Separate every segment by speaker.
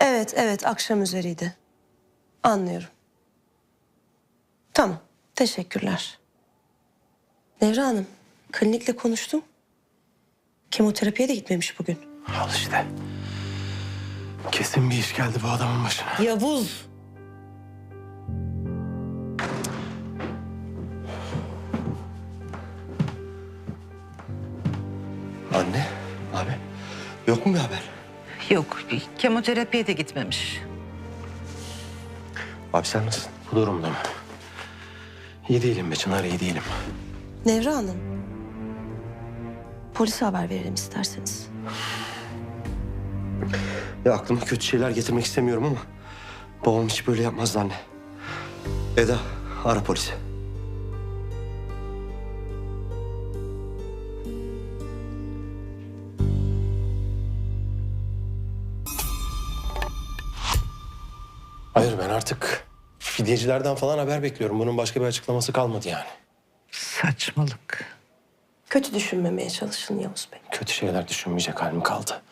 Speaker 1: Evet, evet, akşam üzeriydi. Anlıyorum. Tamam, teşekkürler. Nevra Hanım, klinikle konuştum. Kemoterapiye de gitmemiş bugün.
Speaker 2: Al işte. Kesin bir iş geldi bu adamın başına.
Speaker 1: Yavuz!
Speaker 2: Anne, abi yok mu bir haber?
Speaker 3: Yok, kemoterapiye de gitmemiş.
Speaker 2: Abi sen nasılsın? Bu durumda mı? İyi değilim be Çınar, iyi değilim.
Speaker 1: Nevra Hanım, polise haber verelim isterseniz.
Speaker 2: Ya aklıma kötü şeyler getirmek istemiyorum ama babam hiç böyle yapmazdı anne. Eda, ara polisi. Hayır, ben artık fidyecilerden falan haber bekliyorum. Bunun başka bir açıklaması kalmadı yani.
Speaker 3: Saçmalık.
Speaker 1: Kötü düşünmemeye çalışın Yavuz Bey.
Speaker 2: Kötü şeyler düşünmeyecek halim kaldı.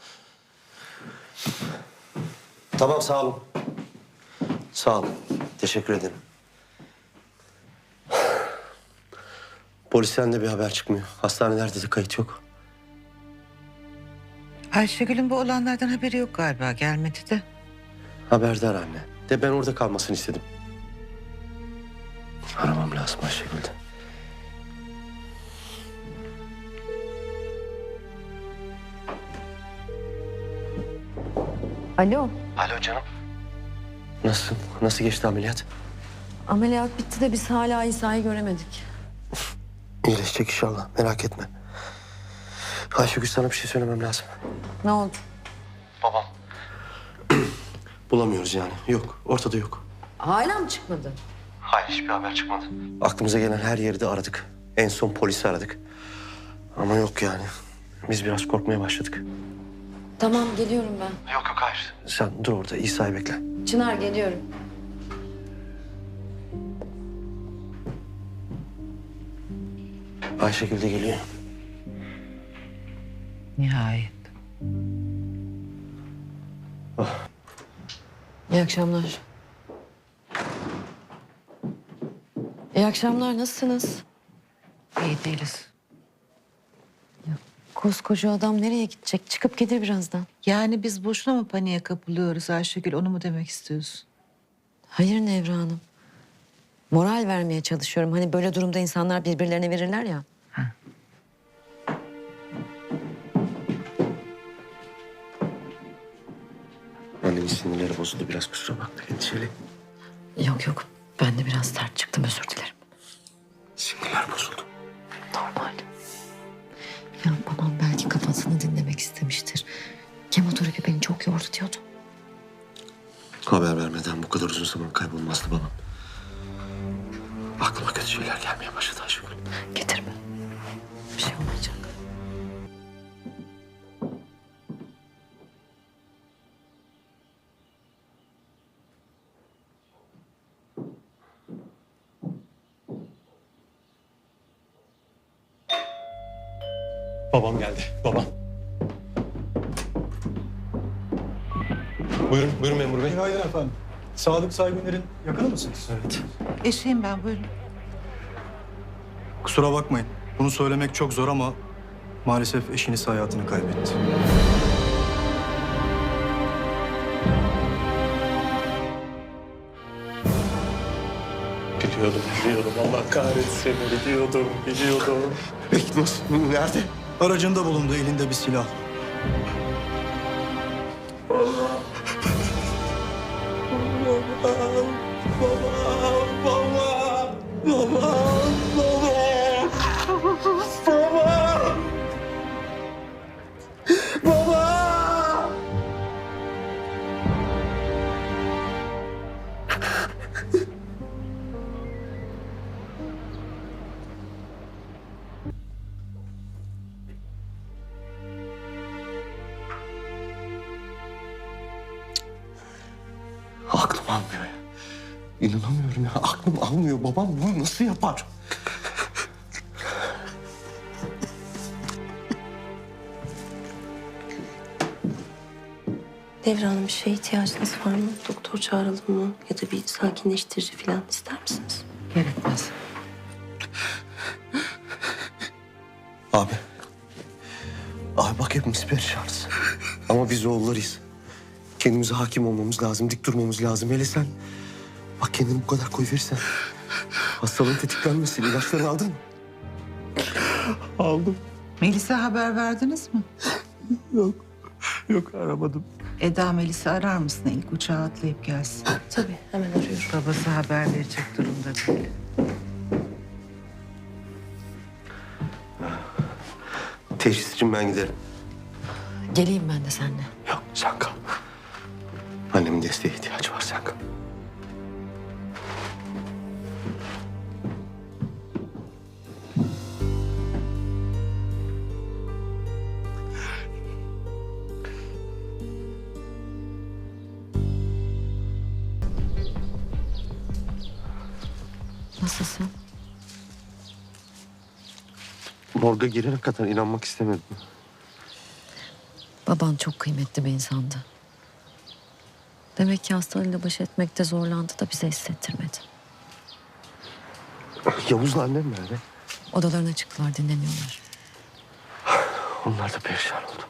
Speaker 2: Tamam, sağ olun. Sağ olun. Teşekkür ederim. Polisten de bir haber çıkmıyor. Hastanelerde de kayıt yok.
Speaker 3: Ayşegül'ün bu olanlardan haberi yok galiba, gelmedi de.
Speaker 2: Haberdar anne. De ben orada kalmasını istedim. Aramam lazım Ayşegül'de.
Speaker 4: Alo,
Speaker 2: Alo canım. Nasılsın? Nasıl geçti ameliyat?
Speaker 4: ameliyat bitti de biz hala İsa'yı göremedik.
Speaker 2: İyileşecek inşallah. Merak etme. Ayşegül, sana bir şey söylemem lazım.
Speaker 4: Ne oldu?
Speaker 2: Bulamıyoruz yani. Yok. Ortada yok.
Speaker 4: Hala mı çıkmadı?
Speaker 2: Hayır, hiçbir haber çıkmadı. Aklımıza gelen her yeri de aradık. En son polisi aradık. Ama yok yani. Biz biraz korkmaya başladık.
Speaker 4: Tamam, geliyorum ben.
Speaker 2: Yok hayır. Sen dur orada, İsa'yı bekle.
Speaker 4: Çınar, geliyorum.
Speaker 2: Ayşegül de geliyor.
Speaker 3: Nihayet.
Speaker 4: İyi akşamlar. İyi akşamlar, nasılsınız?
Speaker 3: İyi değiliz.
Speaker 4: Koskoca adam nereye gidecek? Çıkıp gelir birazdan.
Speaker 3: Yani biz boşuna mı paniğe kapılıyoruz Ayşegül, onu mu demek istiyorsun?
Speaker 4: Hayır Nevra Hanım. Moral vermeye çalışıyorum. Hani böyle durumda insanlar birbirlerine verirler ya.
Speaker 2: Annemin sinirleri bozuldu biraz, kusura bakma, endişeli.
Speaker 4: Yok yok, ben de biraz sert çıktım, özür dilerim.
Speaker 2: Sinirler bozuldu.
Speaker 4: Normal. Ya babam belki kafasını dinlemek istemiştir. Kemoterapi beni çok yordu diyordu.
Speaker 2: Haber vermeden bu kadar uzun zaman kaybolmazdı babam. Aklıma kötü şeyler gelmeye başladı Ayşegül.
Speaker 4: Getirme. Bir şey olmayacak.
Speaker 2: Babam geldi, babam. Buyurun, buyurun memur bey.
Speaker 5: Günaydın efendim. Sadık Saygıner'in yakını mısınız?
Speaker 2: Evet.
Speaker 3: Eşiyim ben, buyurun.
Speaker 5: Kusura bakmayın. Bunu söylemek çok zor ama maalesef eşiniz hayatını kaybetti.
Speaker 2: Biliyordum. Allah kahretsin. Biliyordum. Peki nasıl, nerede?
Speaker 5: Aracında bulundu, elinde bir silah.
Speaker 2: Aklım almıyor ya. İnanamıyorum ya. Aklım almıyor. Babam bunu nasıl yapar?
Speaker 1: Nevra bir şeye ihtiyacınız var mı? Doktor çağıralım mı? Ya da bir sakinleştirici falan ister misiniz?
Speaker 3: Gerekmez.
Speaker 2: Abi. Abi bak hepimiz perişanız. Ama biz oğullarıyız. Kendimize hakim olmamız lazım, dik durmamız lazım. Hele sen bak kendini bu kadar koyverirsen hastalığın tetiklenmesin. İlaçlarını aldın mı? Aldım.
Speaker 3: Melis'e haber verdiniz mi?
Speaker 2: Yok aramadım.
Speaker 3: Eda Melis'i arar mısın? İlk uçağa atlayıp gelsin.
Speaker 1: Tabii hemen arıyorum.
Speaker 3: Babası haber verecek durumda değil.
Speaker 2: Teşhis için ben giderim.
Speaker 4: Geleyim ben de seninle.
Speaker 2: Yok sen kal. Annemin desteğe ihtiyacı var, sen kal.
Speaker 4: Nasılsın?
Speaker 2: Morga girene kadar inanmak istemedim.
Speaker 4: Baban çok kıymetli bir insandı. Demek ki hastalığıyla baş etmekte zorlandı da bize hissettirmedi.
Speaker 2: Yavuz'la annem nerede?
Speaker 4: Odalarına çıktılar, dinleniyorlar.
Speaker 2: Onlar da perişan oldu.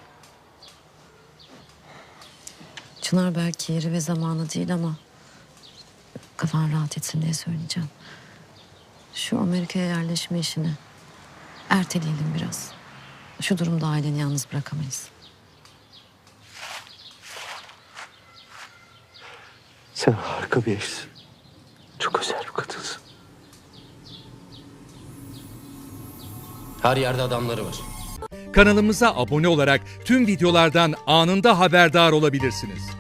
Speaker 4: Çınar belki yeri ve zamanı değil ama kafan rahat etsin diye söyleyeceğim. Şu Amerika'ya yerleşme işini erteleyelim biraz. Şu durumda aileni yalnız bırakamayız.
Speaker 2: Sen harika bir eşsin. Çok özel bir kadınsın.
Speaker 6: Her yerde adamları var.
Speaker 7: Kanalımıza abone olarak tüm videolardan anında haberdar olabilirsiniz.